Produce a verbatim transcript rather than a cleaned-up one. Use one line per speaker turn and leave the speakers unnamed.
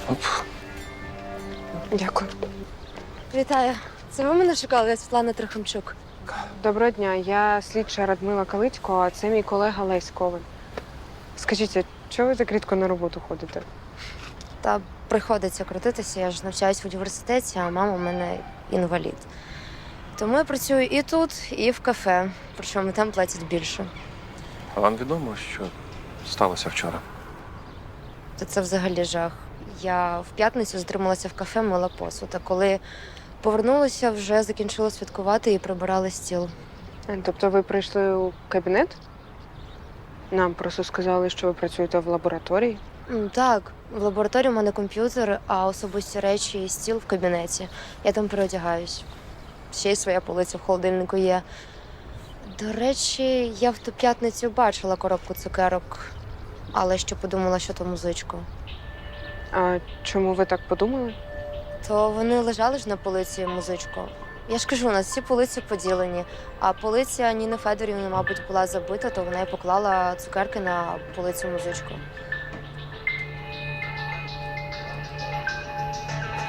Оп.
Дякую.
Вітаю. Це ви мене шукали? Я Світлана Трохимчук.
Доброго дня. Я слідча Радмила Калицько, а це мій колега Лесь Коваль. Скажіть, а чого ви так рідко на роботу ходите?
Та приходиться крутитися, я ж навчаюсь в університеті, а мама у мене інвалід. Тому я працюю і тут, і в кафе, причому там платять більше.
А вам відомо, що сталося вчора?
Та це взагалі жах. Я в п'ятницю затрималася в кафе, мила посуд, а коли повернулася, вже закінчила святкувати і прибирали стіл.
Е, Тобто ви прийшли у кабінет? Нам просто сказали, що ви працюєте в лабораторії.
М, Так, в лабораторії у мене комп'ютер, а особисті речі і стіл в кабінеті. Я там переодягаюсь. Ще й своя полиця в холодильнику є. До речі, я в ту п'ятницю бачила коробку цукерок, але ще подумала, що то музичка.
А чому ви так подумали?
То вони лежали ж на полиці музичку. Я ж кажу, у нас всі полиці поділені, а полиця Ніни Федорівни, мабуть, була забита, то вона і поклала цукерки на полицю музичку.